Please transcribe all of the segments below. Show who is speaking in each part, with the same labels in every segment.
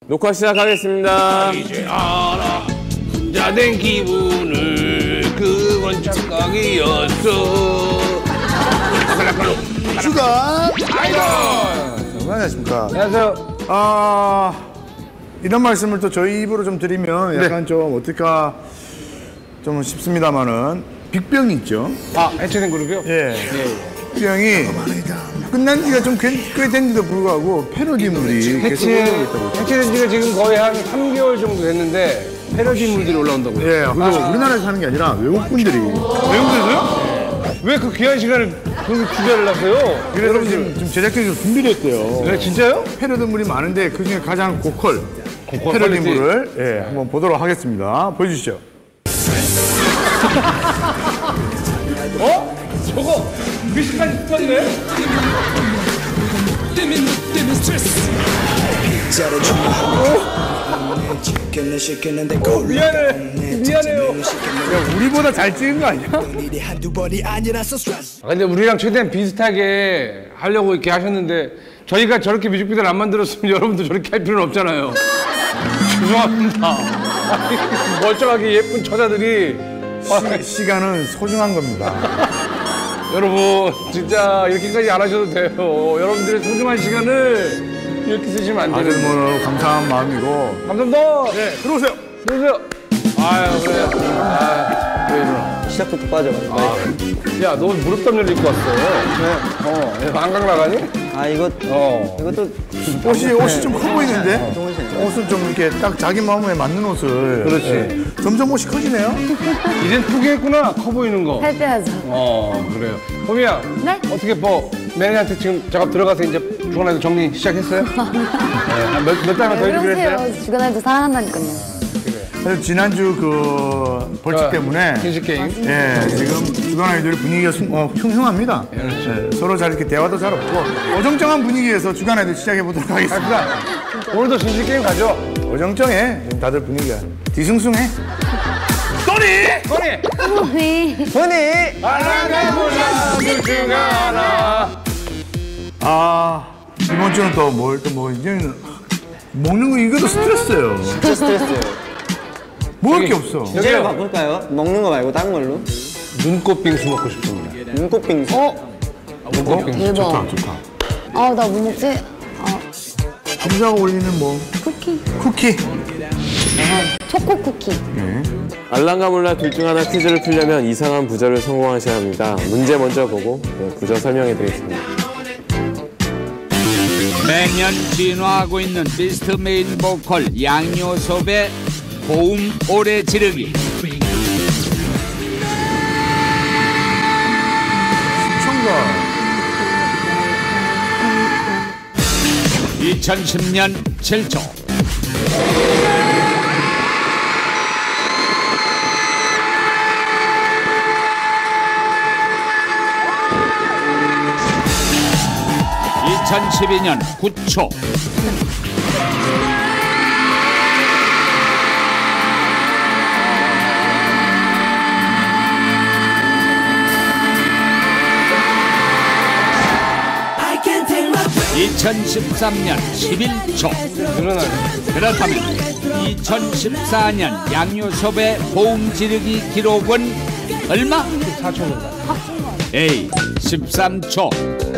Speaker 1: 녹화 시작하겠습니다.
Speaker 2: 이제 알아 혼자 된 기분을 그건 착각이었어.
Speaker 3: 주간
Speaker 2: 아이돌.
Speaker 3: 안녕하십니까.
Speaker 2: 안녕하세요.
Speaker 3: 이런 말씀을 또 저희 입으로 좀 드리면 약간 좀 어떨까 좀 싶습니다만은 빅병이 있죠.
Speaker 2: 해체된 그룹이요?
Speaker 3: 예. 빅병이 끝난 지가 좀 꽤 된데도 불구하고 패러디물이 계속 올라오고 있다고.
Speaker 2: 해체된 지가 지금 거의 한 3개월 정도 됐는데 패러디물들이 올라온다고요?
Speaker 3: 예. 그리고 우리나라에서 하는 게 아니라 외국 분들이.
Speaker 2: 외국에서요? 왜 그 귀한 시간을 그렇게 투자를 하세요?
Speaker 3: 그래서 지금 제작진이 좀 준비를 했대요.
Speaker 2: 네, 진짜요?
Speaker 3: 패러디물이 많은데 그중에 가장 고퀄 패러디물을 한번 보도록 하겠습니다. 보여주시죠.
Speaker 2: 저거 미식까지 스턴이네? 미안해요.
Speaker 3: 야, 우리보다 잘 찍은 거 아니야?
Speaker 2: 근데 우리랑 최대한 비슷하게 하려고 이렇게 하셨는데 저희가 저렇게 뮤직비디오를 안 만들었으면 여러분도 저렇게 할 필요는 없잖아요. 죄송합니다. 멀쩡하게 예쁜 처자들이
Speaker 3: 시간은 소중한 겁니다.
Speaker 2: 여러분 진짜 이렇게까지 안 하셔도 돼요. 여러분들의 소중한 시간을 이렇게 쓰시면 안
Speaker 3: 아주
Speaker 2: 되는.
Speaker 3: 뭐 감사한 마음이고.
Speaker 2: 감사합니다.
Speaker 3: 네, 들어오세요.
Speaker 2: 들어오세요. 아유 그래요. 왜 이러나.
Speaker 4: 시작부터 빠져가지고.
Speaker 2: 야, 너 무릎 담요를 입고 왔어. 네. 한강 나가니?
Speaker 4: 이것도
Speaker 3: 옷이 좀 커 보이는데? 옷은 좀 이렇게 딱 자기 마음에 맞는 옷을.
Speaker 2: 그렇지.
Speaker 3: 점점 옷이 커지네요.
Speaker 2: 이젠 포기했구나. 커 보이는 거.
Speaker 5: 살 빼야죠.
Speaker 2: 그래요. 호미야.
Speaker 5: 네?
Speaker 2: 어떻게 매니저한테 지금 작업 들어가서 이제 주간아이돌 정리 시작했어요? 몇 달만 더 해주기로 했어요?
Speaker 5: 그러세요. 주간아이돌 사랑한다니까요.
Speaker 3: 사실 지난주 그 벌칙 때문에
Speaker 2: 킨시 게임.
Speaker 3: 지금 주간 아이돌 분위기가 흉흉합니다. 서로 잘 이렇게 대화도 잘 없고 어정쩡한 분위기에서 주간 아이돌 시작해 보도록 하겠습니다.
Speaker 2: 오늘도 킨시 게임 가죠?
Speaker 3: 어정쩡해. 지금 다들 분위기가 뒤숭숭해.
Speaker 5: 네.
Speaker 2: 하나가 몰라 둘 중 하나.
Speaker 3: 이번 주는 또 이제는 먹는 거 이것도 스트레스예요.
Speaker 4: 진짜 스트레스예요.
Speaker 3: 먹을 게 없어.
Speaker 4: 주제를 바꿀까요? 먹는 거 말고 다른 걸로?
Speaker 2: 눈꽃 빙수 먹고 싶습니다.
Speaker 4: 눈꽃 빙수.
Speaker 2: 눈꽃 빙수.
Speaker 5: 대박.
Speaker 3: 좋다.
Speaker 5: 나 뭐 먹지?
Speaker 3: 감자가 올리는 뭐 쿠키.
Speaker 5: 초코 쿠키.
Speaker 1: 알랑가 몰라 둘 중 하나 퀴즈를 풀려면 이상한 부저를 성공하셔야 합니다. 문제 먼저 보고 부저 설명해 드리겠습니다.
Speaker 6: 매년 진화하고 있는 비스트 메인 보컬 양요섭의 고음 오래 지르기.
Speaker 3: 시청자.
Speaker 6: 2010년 7조. (2012년 9초) (2013년 11초) 그렇다면 2014년 양요섭의 고음 지르기 기록은 얼마?
Speaker 2: 14초입니다.
Speaker 6: A 13초,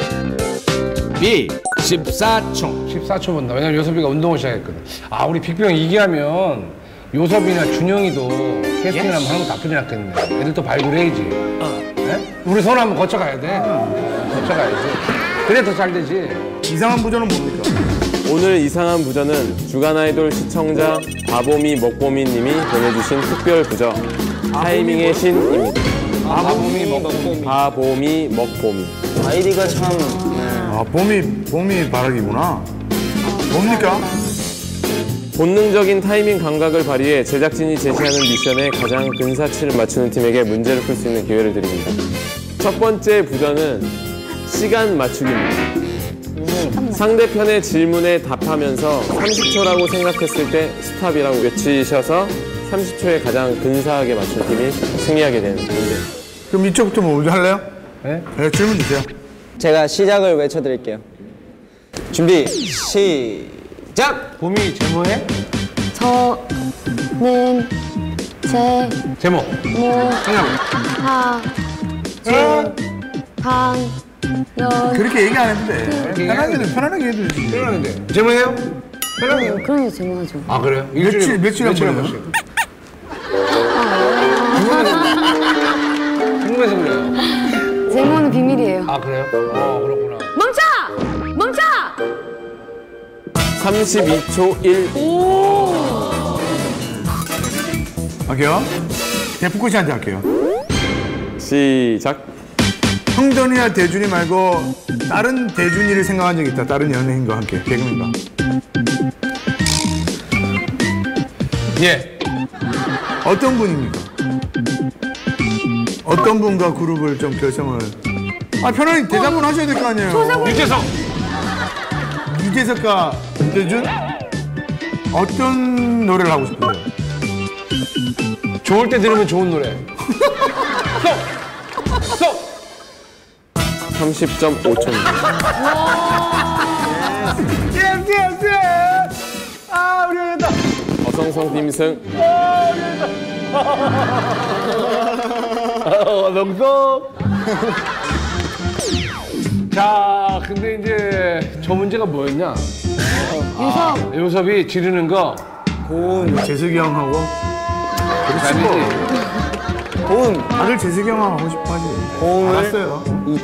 Speaker 6: B 14초.
Speaker 2: 14초입니다. 왜냐면 요섭이가 운동을 시작했거든. 우리 빅병 이기하면 요섭이나 준영이도 캐스팅 한번 하는 것도 나쁘지 않겠네. 애들 또 발굴해야지. 네? 우리 손 한번 거쳐가야 돼. 거쳐가야지. 그래 더 잘 되지.
Speaker 3: 이상한 부조는 뭡니까?
Speaker 1: 오늘 이상한 부저는 주간 아이돌 시청자 바보미 먹보미 님이 보내주신 특별 부저 타이밍의 신입니다. 바보미 먹보미.
Speaker 4: 아이디가 참.
Speaker 3: 봄이 바라기구나. 뭡니까?
Speaker 1: 본능적인 타이밍 감각을 발휘해 제작진이 제시하는 미션에 가장 근사치를 맞추는 팀에게 문제를 풀 수 있는 기회를 드립니다. 첫 번째 부저는 시간 맞추기입니다. 상대편의 질문에 답하면서 30초라고 생각했을 때 스탑이라고 외치셔서 30초에 가장 근사하게 맞춘 팀이 승리하게 되는 문제.
Speaker 3: 그럼 이쪽부터 먼저 할래요?
Speaker 2: 네?
Speaker 3: 질문 주세요.
Speaker 4: 제가 시작을 외쳐드릴게요. 준비, 시작! 시작!
Speaker 2: 봄이 제모해?
Speaker 5: 저는 제
Speaker 2: 제모.
Speaker 5: 모
Speaker 2: 생각해.
Speaker 5: 하 주 방 연
Speaker 3: 그렇게 얘기 안 해도 돼. 편하게 해도 되지.
Speaker 2: 편하는데. 제모해요? 편하게.
Speaker 5: 그런 게 제모하죠.
Speaker 2: 아 그래요?
Speaker 3: 며칠 한 번이요?
Speaker 2: 번씩. 궁금해서 그래요.
Speaker 5: 제모는 비밀이에요.
Speaker 2: 아 그래요? 그렇구나.
Speaker 5: 멈춰! 멈춰!
Speaker 1: 32초 1.
Speaker 3: 할게요. 대포코 씨한테 할게요.
Speaker 1: 시작.
Speaker 3: 형돈이나 대준이 말고 다른 대준이를 생각한 적 있다. 다른 연예인과 함께 개그맨과.
Speaker 2: 예.
Speaker 3: 어떤 분입니까? 어떤 분과 그룹을 좀 결성을? 아 편하게 대답을 하셔야 될 거 아니에요.
Speaker 2: 유재석.
Speaker 3: 유재석과 대준 어떤 노래를 하고 싶으세요?
Speaker 2: 좋을 때 들으면 좋은 노래. 스톱.
Speaker 1: 30.5초입니다.
Speaker 3: 아 우리 했다.
Speaker 1: 어성성 팀승.
Speaker 2: 명성. 자, 근데 이제 저 문제가 뭐였냐? 요섭이 지르는 거.
Speaker 3: 재석이 형하고
Speaker 2: 아니지.
Speaker 4: 고음.
Speaker 3: 다들 재석이 형하고 하고 싶어 하지.
Speaker 4: 고음을
Speaker 3: 알았어요.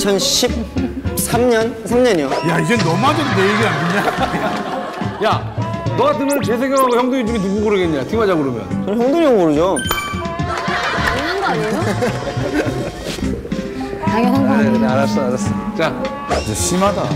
Speaker 4: 2013년? 3년이요.
Speaker 3: 야 이제 너마저도 내 얘기 안 듣냐?
Speaker 2: 야, 너 같으면 재석형하고 형동이 중에 누구 고르겠냐? 팀하자 그러면.
Speaker 4: 저는 형돈이 형 모르죠.
Speaker 5: 당연한 거 아니에요? 당연한 거 아니에요?
Speaker 2: 알았어. 자.
Speaker 3: 진짜 심하다.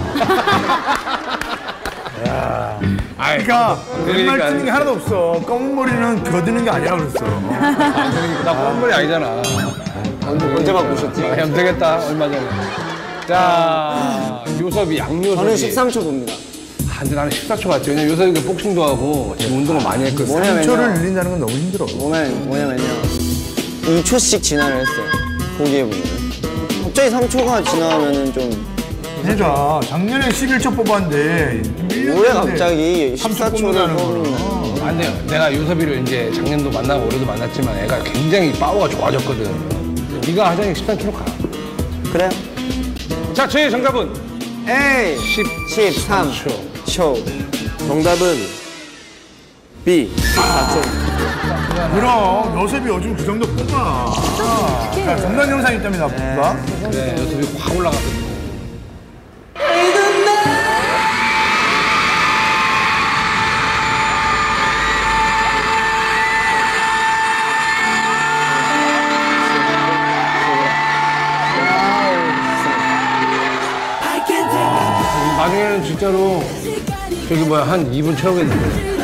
Speaker 2: 아이,
Speaker 3: 그러니까
Speaker 2: 그러니까
Speaker 3: 말 틀린 게 하나도 없어. 검은 머리는 거드는 게 아니라 그랬어.
Speaker 2: 나 뻔뻔이 아니잖아.
Speaker 4: 언제 바꾸셨지?
Speaker 2: 형 되겠다, 얼마 전에. 자, 요섭이, 양요섭이.
Speaker 4: 저는 13초 봅니다.
Speaker 2: 근데 나는 14초 같지. 왜냐면 요섭이가 복싱도 하고 지금 운동을 많이 했거든.
Speaker 4: 뭐냐면요.
Speaker 3: 3초를 늘린다는 건 너무 힘들어.
Speaker 4: 뭐냐면요. 2초씩 진화를 했어요. 보기에 보면. 갑자기 3초가 지나면은 좀
Speaker 3: 그러니까 작년에 11초 뽑았는데
Speaker 4: 올해 갑자기
Speaker 3: 3초
Speaker 4: 14초를
Speaker 3: 뽑는다는
Speaker 4: 뽑는
Speaker 3: 거는.
Speaker 2: 안 돼요. 내가 요섭이를 이제 작년도 만나고 올해도 만났지만 애가 굉장히 파워가 좋아졌거든. 네가 하자니 13kg 가.
Speaker 4: 그래요?
Speaker 2: 자, 저의 정답은
Speaker 4: 에이 13초.
Speaker 1: 정답은 B. 14초.
Speaker 3: 그럼 요셉이 요즘 그 정도 뽑아. 자, 정단 영상 있답니다. 봅시다.
Speaker 2: 네, 요섭이 확 올라갔거든. 나중에는 진짜로 저기 뭐야 한 2분 채우겠는데.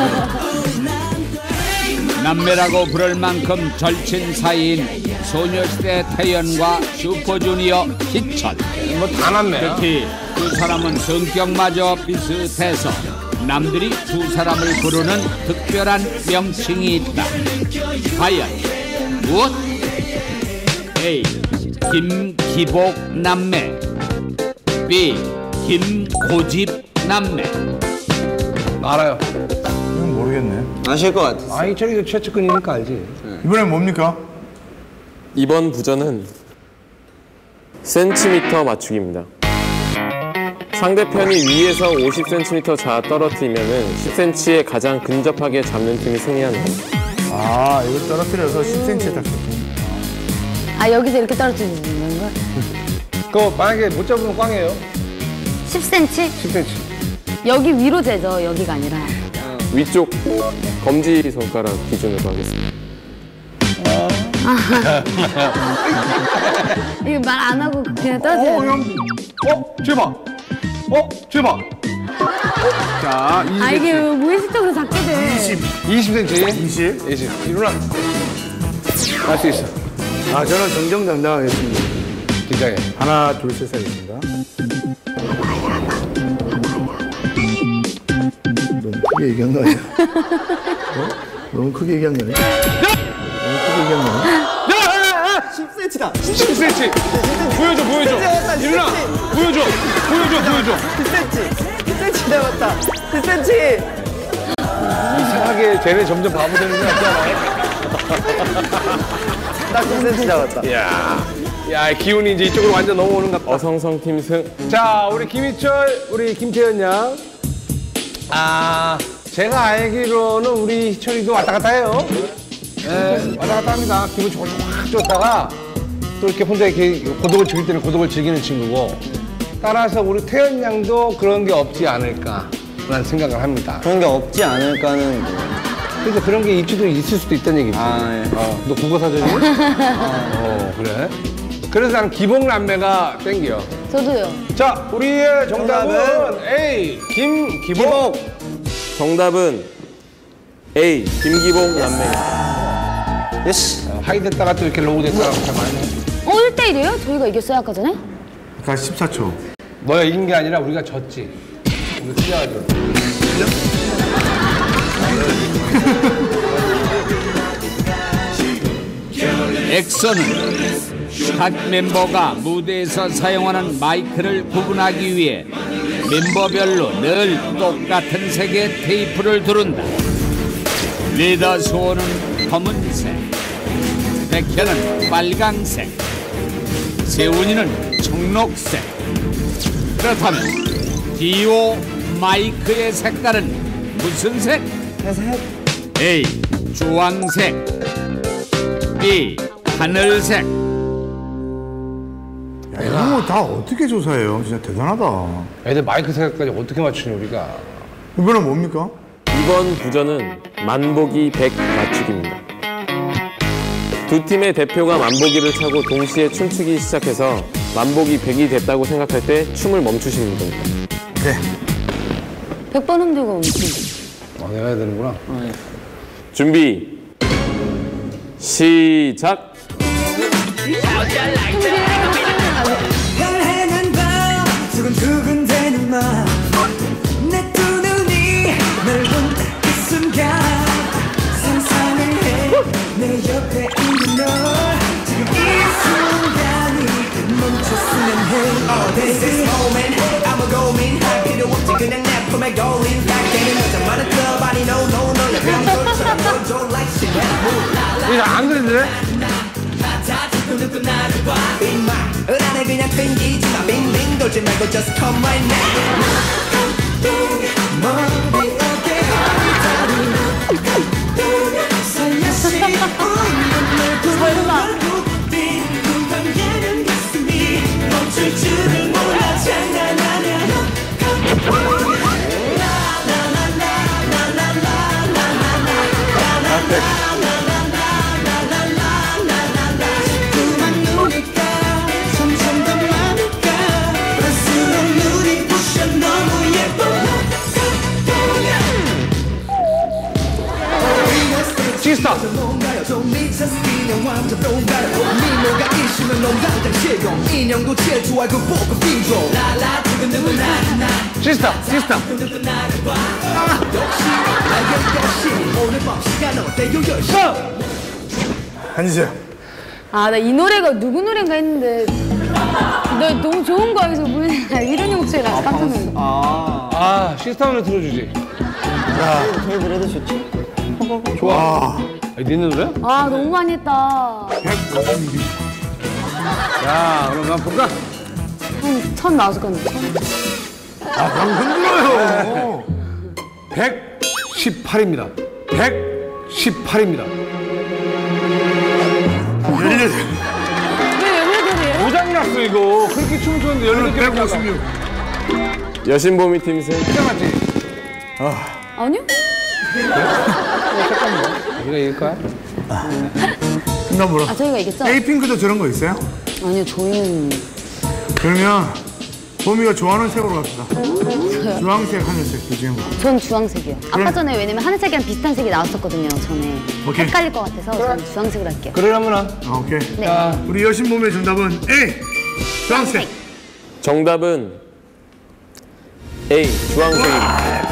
Speaker 6: 남매라고 부를 만큼 절친 사이인 소녀시대 태연과 슈퍼주니어 희철.
Speaker 2: 뭐 다 남매야.
Speaker 6: 특히 두 사람은 성격마저 비슷해서 남들이 두 사람을 부르는 특별한 명칭이 있다. 과연 무엇? A. 김기복 남매, B. 김고집 남매.
Speaker 2: 알아요.
Speaker 3: 이건 모르겠네.
Speaker 4: 아실 것 같아.
Speaker 2: 아, 희철이도 최측근이니까 알지.
Speaker 3: 이번엔 뭡니까?
Speaker 1: 이번 부전은 센티미터 맞추기입니다. 상대편이 위에서 50cm 자 떨어뜨리면은 10cm에 가장 근접하게 잡는 팀이 승리하는 겁니다.
Speaker 3: 아, 이거 떨어뜨려서 10cm에 딱 잡힌.
Speaker 5: 아, 여기서 이렇게 떨어뜨리는 거야?
Speaker 2: 그거 만약에 못 잡으면 꽝이에요.
Speaker 5: 10cm?
Speaker 2: 10cm.
Speaker 5: 여기 위로 재죠, 여기가 아니라.
Speaker 1: 위쪽 검지 손가락 기준으로 하겠습니다.
Speaker 5: 이거 말 안 하고 그냥 떨어뜨려요.
Speaker 2: 제발. 제발.
Speaker 3: 자,
Speaker 5: 아, 이게 무의식적으로 잡게 돼.
Speaker 2: 20cm.
Speaker 3: 20.
Speaker 2: 20. 일어나. 할 수 있어.
Speaker 3: 아, 저는 정정당당하겠습니다.
Speaker 2: 긴장해.
Speaker 3: 하나, 둘, 셋 하겠습니다. 너무 크게 얘기한 거 아니야? 너무 크게 얘기한 거 아니야? 너무 크게 얘기한 거 아니야?
Speaker 4: 10cm다.
Speaker 2: 10cm. 보여줘. 일어나. 보여줘.
Speaker 4: 10cm. 10cm 남았다. 10cm.
Speaker 2: 이상하게 쟤네 점점 바보 되는 거 같지 않아요?
Speaker 4: 딱 10cm 남았다.
Speaker 2: 야, 기운이 이제 이쪽으로 완전 넘어오는 것 같다.
Speaker 1: 어성성 팀 승.
Speaker 2: 자, 우리 김희철, 우리 김태현 양. 제가 알기로는 우리 희철이도 왔다 갔다 해요. 네, 왔다 갔다 합니다. 기분 좋고 확 좋다가 또 이렇게 혼자 이렇게 고독을 즐길 때는 고독을 즐기는 친구고. 따라서 우리 태현 양도 그런 게 없지 않을까라는 생각을 합니다.
Speaker 4: 그런 게 없지 않을까는.
Speaker 2: 그러니까 그런 게 있을 수도 있다는 얘기지.
Speaker 4: 예.
Speaker 2: 너 국어 사전이야? 그래. 그래서 나는 기복남매가 땡겨.
Speaker 5: 저도요.
Speaker 2: 자, 우리의 정답은 A, 김기복.
Speaker 1: 정답은 A. 김기복 남매.
Speaker 4: 예스.
Speaker 2: 하이 됐다가 또 이렇게 로우 됐다가 참 많이.
Speaker 5: 1대1이에요? 저희가 이겼어요, 아까 전에?
Speaker 3: 아까 14초.
Speaker 2: 너가 이긴 게 아니라 우리가 졌지. 우리 틀려가지고.
Speaker 6: 엑소는 각 멤버가 무대에서 사용하는 마이크를 구분하기 위해 멤버별로 늘 똑같은 색의 테이프를 두른다. 리더 수호는 검은색, 백현은 빨강색, 세훈이는 청록색. 그렇다면 디오 마이크의 색깔은 무슨 색?
Speaker 4: 회색.
Speaker 6: A. 주황색, B. 하늘색.
Speaker 3: 야, 이런 거 다 어떻게 조사해요? 진짜 대단하다.
Speaker 2: 애들 마이크 색깔까지 어떻게 맞추니 우리가?
Speaker 3: 이번엔 뭡니까?
Speaker 1: 이번 부전은 만보기 100 맞추기입니다. 두 팀의 대표가 만보기를 차고 동시에 춤추기 시작해서 만보기 100이 됐다고 생각할 때 춤을 멈추시는 겁니다.
Speaker 3: 네.
Speaker 5: 100번 흔들고 멈춘.
Speaker 2: 내가 해야 되는구나.
Speaker 1: 준비 시작.
Speaker 7: 별해난 밤 두근두근대는 맘내 두 눈이 널 본 그 순간 상상을 해 내 옆에 있는 널 지금 이 순간이 멈췄으면 해 This is moment 아무 고민할 필요 없지 그냥 내 품에 걸린 딱 되는 여자만은 club 아니 no no no 내 병돌처럼 너도 like shit
Speaker 2: 이거 안 그랬는데?
Speaker 7: 안에 그냥 튕기지마 빙빙 돌지 말고 just come right now 머리 어깨 살며시 웃는 얼굴 빈둥거리는 가슴이 멈출 줄을 몰라 장난하냐 점점 더 많을까 볼수록 눈이 부셔 너무 예뻐
Speaker 2: 시스터.
Speaker 7: 뭔가요 좀 미쳤어 그냥 완전 똥가요 미모가 있으면 넌 당장 실용 인형도 질투할 그 보고 빙고 라라 두근두근 나나
Speaker 2: 시스터.
Speaker 7: 역시 알겠 오늘 밤 시간 어때요 10시
Speaker 3: 앉으세요.
Speaker 5: 아, 나 이 노래가 누구 노래인가 했는데. 너 너무 좋은 거야, 그래서 모르겠어. 이런 목소리라 깜짝 놀랐어.
Speaker 2: 시스터를 들어주지.
Speaker 4: 저희 노래도 좋지.
Speaker 2: 니네 노래?
Speaker 5: 아, 너무 많이 했다.
Speaker 2: 야, 그럼 한번 볼까?
Speaker 5: 한 1000 나왔을 건데.
Speaker 3: 흔들어요.
Speaker 2: 118입니다. 118입니다.
Speaker 5: 왜 그래요?
Speaker 2: 고장이 났어, 이거. 그렇게 춤을 췄는데 18개
Speaker 3: 156.
Speaker 1: 여신보미 팀 승.
Speaker 2: 맞지?
Speaker 5: 아니요?
Speaker 2: 우리가 이길 거야?
Speaker 3: 나 뭐라?
Speaker 5: 아, 저희가 이겼죠?
Speaker 3: 에이핑크도 저런 거 있어요?
Speaker 5: 아니요, 저희는.
Speaker 3: 그러면 봄이가 좋아하는 색으로 갑시다. 주황색, 하늘색 그 중에 뭐.
Speaker 5: 전 주황색이요. 아까 전에 왜냐면 하늘색이랑 비슷한 색이 나왔었거든요, 전에.
Speaker 3: 오케이.
Speaker 5: 헷갈릴 것 같아서 전 주황색으로 할게요.
Speaker 2: 그러려면
Speaker 3: 오케이.
Speaker 5: 네.
Speaker 3: 우리 여신몸의 정답은 A. 주황색.
Speaker 1: 정답은 A. 주황색입니다.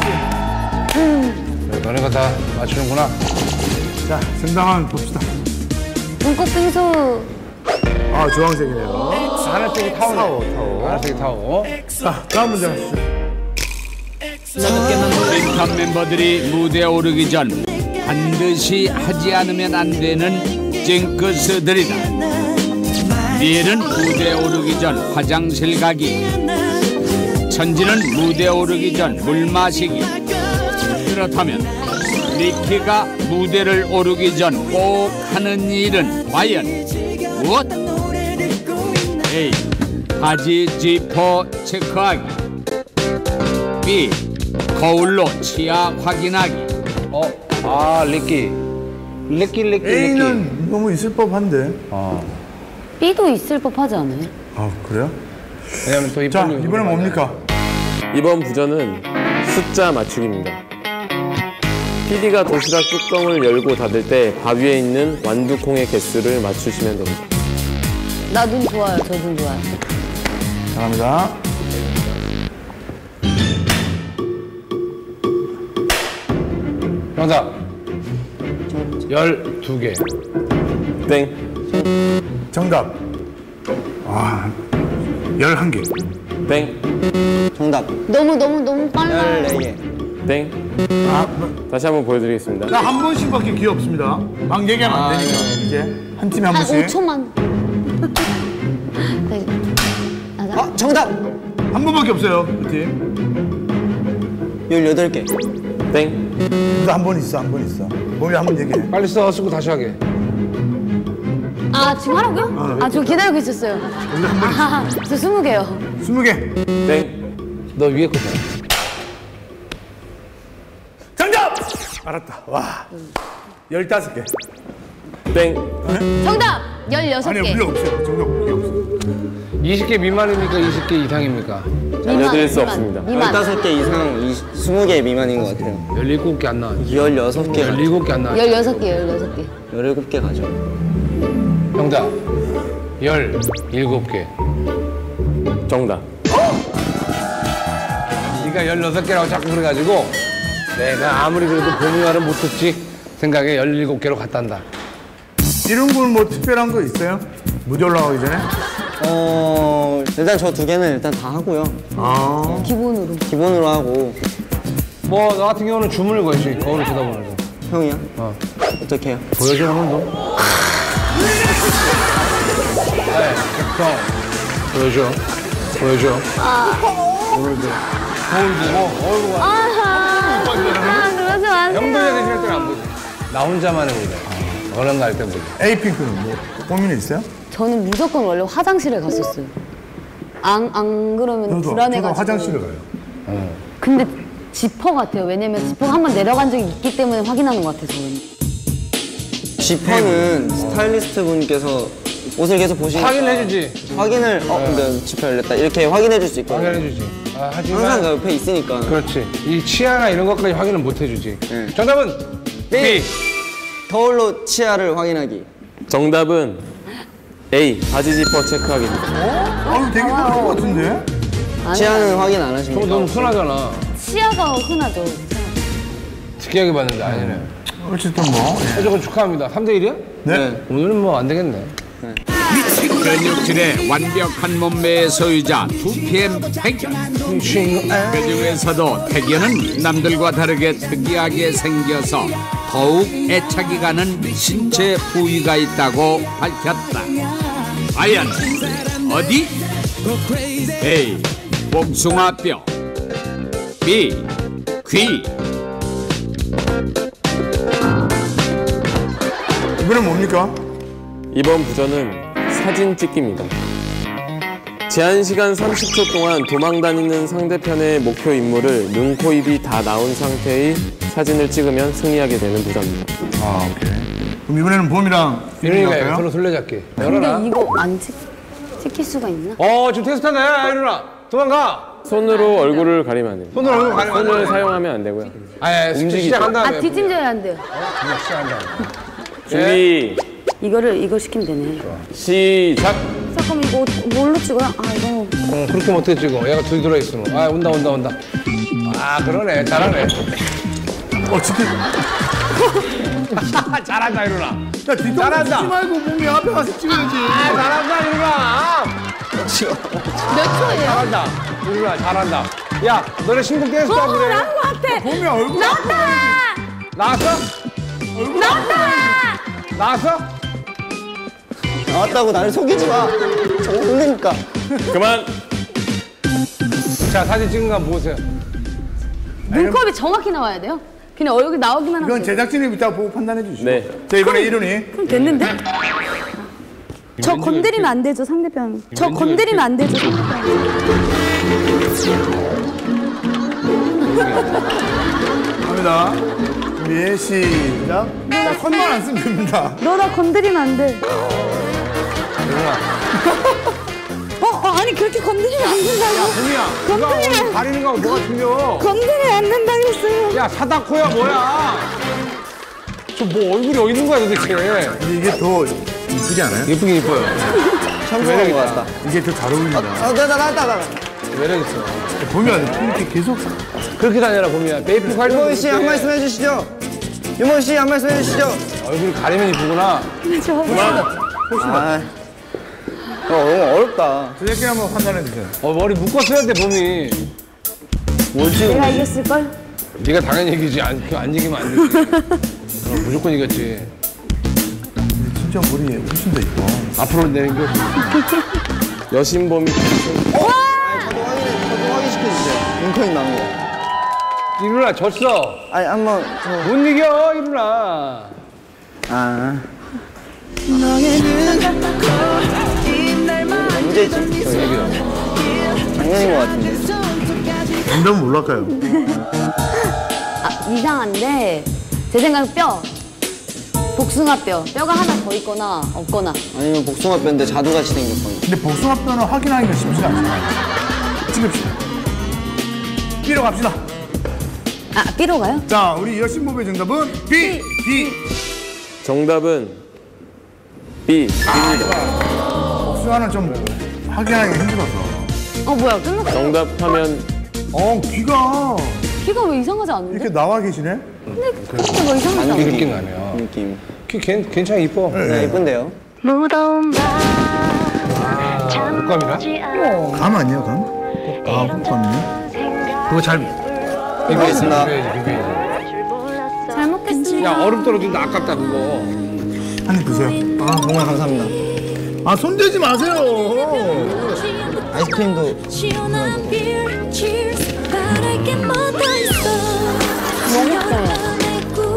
Speaker 2: 너네가 다 맞추는구나.
Speaker 3: 자, 정답만 봅시다.
Speaker 5: 눈꽃 빙수.
Speaker 3: 아, 주황색이네요.
Speaker 2: 하늘색이 타오네. 타오. 하늘색이 타오.
Speaker 3: 자, 다음 문제 가시죠.
Speaker 6: 싱탑 멤버들이 무대에 오르기 전 반드시 하지 않으면 안 되는 징크스들이다. 미엘은 무대에 오르기 전 화장실 가기, 천지는 무대에 오르기 전 물 마시기. 그렇다면 리키가 무대를 오르기 전 꼭 하는 일은 과연 무엇? A. 바지 지퍼 체크하기. B. 거울로 치아 확인하기.
Speaker 2: 리끼.
Speaker 3: A는 너무 있을 법한데.
Speaker 5: B도 있을 법하지 않아요?
Speaker 3: 아 그래요?
Speaker 2: 왜냐면 또
Speaker 3: 자
Speaker 2: 이쁜이
Speaker 3: 이번엔 뭡니까?
Speaker 1: 이번 부전은 숫자 맞추기입니다. PD가 도시락 뚜껑을 열고 닫을 때 바위에 있는 완두콩의 개수를 맞추시면 됩니다.
Speaker 5: 나 눈 좋아요. 저 눈 좋아요.
Speaker 3: 감사합니다.
Speaker 2: 정답 12개.
Speaker 1: 땡.
Speaker 3: 정답. 11개.
Speaker 1: 땡.
Speaker 4: 정답.
Speaker 5: 너무 빨라.
Speaker 4: 14개.
Speaker 1: 땡. 다시 한번 보여드리겠습니다.
Speaker 3: 자 한 번씩밖에 기회 없습니다. 막 얘기하면 안 되니까 이제 한 팀에 한
Speaker 5: 한
Speaker 3: 번씩.
Speaker 5: 5초만. 네.
Speaker 4: 정답.
Speaker 3: 한 번밖에 없어요 그 팀.
Speaker 4: 18개.
Speaker 1: 땡.
Speaker 3: 한 번 있어 한 번 있어. 몸이 한 번 얘기해.
Speaker 2: 빨리 써 쓰고 다시 하게.
Speaker 5: 지금 하라고요? 저 기다리고 있었어요. 저 20개요.
Speaker 3: 20개.
Speaker 1: 땡.
Speaker 2: 너 위에 거 봐.
Speaker 3: 정답. 알았다. 와. 15개.
Speaker 1: 땡.
Speaker 5: 정답!
Speaker 3: 아니
Speaker 5: 16개.
Speaker 3: 우리 없어요. 정답 우리 없어.
Speaker 2: 20개 미만입니까? 20개 이상입니까?
Speaker 1: 알려드릴 수 없습니다.
Speaker 5: 미만.
Speaker 4: 15개 이상 20개 미만인 것 같아요.
Speaker 2: 17개 안 나와.
Speaker 4: 16개.
Speaker 2: 17개 안 나와.
Speaker 5: 16개.
Speaker 4: 17개 가죠.
Speaker 2: 정답 17개.
Speaker 1: 정답.
Speaker 2: 네가 16개라고 자꾸 그래가지고 내가 아무리 그래도 봄이 말은 못 듣지 생각에 17개로 갔단다.
Speaker 3: 이런 건 뭐 특별한 거 있어요? 무대 올라가기 전에?
Speaker 4: 일단 저 2개는 일단 다 하고요.
Speaker 5: 기본으로.
Speaker 4: 기본으로 하고.
Speaker 2: 뭐 나 같은 경우는 주문을 걸지. 거울을 쳐다보면서.
Speaker 4: 형이요? 어떻게 해요?
Speaker 2: 보여줘 오늘도. 네, 형 보여줘. 오늘도.
Speaker 5: 그러지 마세요.
Speaker 2: 형들이 계실 때는 안 보지. 나 혼자만의 무대. 어른 갈 때 보지.
Speaker 3: 에이핑크는 뭐 고민이 있어요?
Speaker 5: 저는 무조건 원래 화장실에 갔었어요. 안 그러면
Speaker 3: 저도
Speaker 5: 불안해가지고.
Speaker 3: 화장실에 가요.
Speaker 5: 근데 지퍼 같아요. 왜냐면 지퍼가 한번 내려간 적이 있기 때문에 확인하는 것 같아요, 저는.
Speaker 4: 지퍼는 스타일리스트 분께서 옷을 계속 보시니까
Speaker 2: 확인해주지.
Speaker 4: 확인을 근데 지퍼 열렸다 이렇게 확인해 줄 수 있거든요.
Speaker 2: 확인해주지. 하지만
Speaker 4: 항상 그 옆에 있으니까.
Speaker 2: 그렇지. 이 치아나 이런 것까지 확인을 못 해주지.
Speaker 4: 네.
Speaker 2: 정답은 B.
Speaker 4: 거울로 치아를 확인하기.
Speaker 1: 정답은 A. 바지 지퍼 체크하기입니다.
Speaker 3: 되게 많을 것 같은데?
Speaker 4: 치아는 확인 안
Speaker 2: 저거
Speaker 4: 하십니까?
Speaker 2: 너무 흔하잖아.
Speaker 5: 치아가 흔하죠.
Speaker 2: 특이하게 봤는데 아니네.
Speaker 3: 어쨌든 뭐.
Speaker 2: 무조건 축하합니다. 3대1이야?
Speaker 3: 네.
Speaker 2: 오늘은 뭐 안 되겠네.
Speaker 6: 근육질의 완벽한 몸매의 소유자 2PM 태견. 그 중에서도 태견은 남들과 다르게 특이하게 생겨서 더욱 애착이 가는 신체 부위가 있다고 밝혔다. 과연 어디? A. 복숭아뼈. B. 귀.
Speaker 3: 이번엔 뭡니까?
Speaker 1: 이번 부전은 사진 찍기입니다. 제한 시간 30초 동안 도망 다니는 상대편의 목표 인물을 눈, 코, 입이 다 나온 상태의 사진을 찍으면 승리하게 되는 부전입니다.
Speaker 3: 오케이. 그럼 이번에는 봄이랑
Speaker 2: 이러니까
Speaker 3: 갈까요?
Speaker 2: 서로 술래잡기. 열어라.
Speaker 5: 근데 이거 안 찍힐 수가 있나?
Speaker 2: 지금 테스트하네. 이루나. 도망가.
Speaker 1: 손으로 얼굴을 가리면 안 됩니다.
Speaker 2: 손으로 얼굴 가리면 안
Speaker 1: 손을
Speaker 2: 돼.
Speaker 1: 사용하면 안 되고요.
Speaker 2: 움직이지. 시작한 다음에.
Speaker 5: 뒷짐져야 안 돼요.
Speaker 2: 시작한 다음에.
Speaker 1: 준비,
Speaker 5: 이걸 시키면 되네.
Speaker 1: 시작!
Speaker 5: 잠깐만, 이거 뭘로 찍어요? 이거.
Speaker 2: 그렇게 하면 어떻게 찍어? 얘가 둘이 들어있으면. 온다. 그러네. 잘하네.
Speaker 3: 지금.
Speaker 2: 잘한다, 이루나.
Speaker 3: 야, 뒷동산
Speaker 2: 잘한다.
Speaker 3: 찍지 말고 몸이 앞에 가서 찍어야지.
Speaker 2: 잘한다, 이루나.
Speaker 5: 몇 초예요?
Speaker 2: 잘한다. 이루라 잘한다. 야, 너네 신곡 댄스도 그래.
Speaker 5: 나온 것 같아.
Speaker 3: 봄이야, 얼굴.
Speaker 5: 나왔다.
Speaker 2: 나왔어?
Speaker 5: 나왔다.
Speaker 2: 나왔어?
Speaker 4: 나왔다고 나를 속이지 마. 저거 혼내니까.
Speaker 1: 그만.
Speaker 2: 자, 사진 찍은 거 한번 보세요.
Speaker 5: 눈컵이 정확히 나와야 돼요. 그냥 얼굴 나오기만 하면
Speaker 3: 이건
Speaker 5: 돼요.
Speaker 3: 제작진이 이따 보고 판단해 주시죠.
Speaker 1: 네.
Speaker 3: 자, 이번에 이룬이.
Speaker 5: 그럼 됐는데? 저 건드리면 안 되죠, 상대편. 저 건드리면 안 되죠, 상대편.
Speaker 3: 갑니다. 준비, 시작. 자, 손만 안 쓰면 됩니다.
Speaker 5: 너 나 건드리면 안 돼. 아니 그렇게 건드리면 안 된다고.
Speaker 2: 봄이야, 누가 오늘 가리는 거하고 뭐가 틀려?
Speaker 5: 건드리면 안 된다고 했어요.
Speaker 2: 야, 사다코야 뭐야? 저 뭐 얼굴이 어디 있는 거야 도대체?
Speaker 3: 근데 이게 더 이쁘지 않아요?
Speaker 2: 예쁘긴 이뻐요.
Speaker 4: 참고한 것 같다.
Speaker 3: 이게 더 잘 어울린다.
Speaker 4: 나왔다.
Speaker 2: 매력 있어.
Speaker 3: 보면 이렇게 계속.
Speaker 2: 그렇게 다녀라 봄이야. 메이플 관련.
Speaker 4: 유머희 씨 한 말씀 해주시죠. 유머희 씨 한 말씀 해주시죠.
Speaker 2: 얼굴 가리면 이쁘구나.
Speaker 4: 아, 너무 어렵다.
Speaker 3: 제작진 한번 판단해 주세요.
Speaker 2: 머리 묶었어야 돼 봄이.
Speaker 4: 뭐지?
Speaker 5: 내가 이겼을걸?
Speaker 2: 네가 당연히 이기지. 안 이기면 안 되지. 무조건 이겼지.
Speaker 3: 진짜 머리 훨씬 더 이뻐.
Speaker 2: 앞으로 내는 게
Speaker 1: 여신봄이
Speaker 4: 저도 확인시켜주세요. 링컨이 나온 거.
Speaker 2: 이루나 졌어.
Speaker 4: 아니, 한번,
Speaker 2: 못 이겨 이루나.
Speaker 4: 문제지.
Speaker 2: 저 얘기요.
Speaker 4: 작년인 것 같은데.
Speaker 3: 정답은 뭘까요?
Speaker 5: 이상한데 제 생각엔 뼈. 복숭아뼈. 뼈가 하나 더 있거나 없거나.
Speaker 4: 아니면 복숭아뼈인데 자두같이 생겼거나.
Speaker 3: 근데 복숭아뼈는 확인하기가 쉽지가 않잖아요. 찍읍시다. B로 갑시다.
Speaker 5: B로 가요?
Speaker 3: 자, 우리 여신보배 정답은 B.
Speaker 1: 정답은 B.
Speaker 3: 복숭아는 좀 확인하기가 힘들어서.
Speaker 5: 뭐야 끝났어.
Speaker 1: 정답하면
Speaker 3: 귀가
Speaker 5: 키가 왜 이상하지 않은데?
Speaker 3: 이렇게 나와 계시네?
Speaker 5: 키가 뭐 이상하지 않아?
Speaker 2: 느낌 나네요.
Speaker 4: 느낌.
Speaker 2: 괜찮아 이뻐.
Speaker 4: 네, 예쁜데요?
Speaker 8: 무더운 밤
Speaker 2: 옷감이나?
Speaker 3: 감 아니에요, 감? 감이요?
Speaker 2: 그거 잘
Speaker 4: 비교했습니다.
Speaker 2: 비교해야지.
Speaker 5: 잘 먹겠습니다.
Speaker 2: 야 얼음 떨어진다 아깝다 그거.
Speaker 3: 한 입 드세요.
Speaker 4: 정말 감사합니다.
Speaker 3: 손대지 마세요.
Speaker 4: 아이스크림도.
Speaker 8: 시원한 beer cheers 바랄게 뭐더 있어 여름밤의 꿀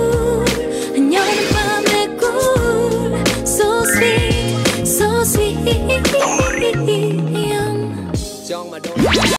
Speaker 8: 여름밤의 꿀 so sweet so sweet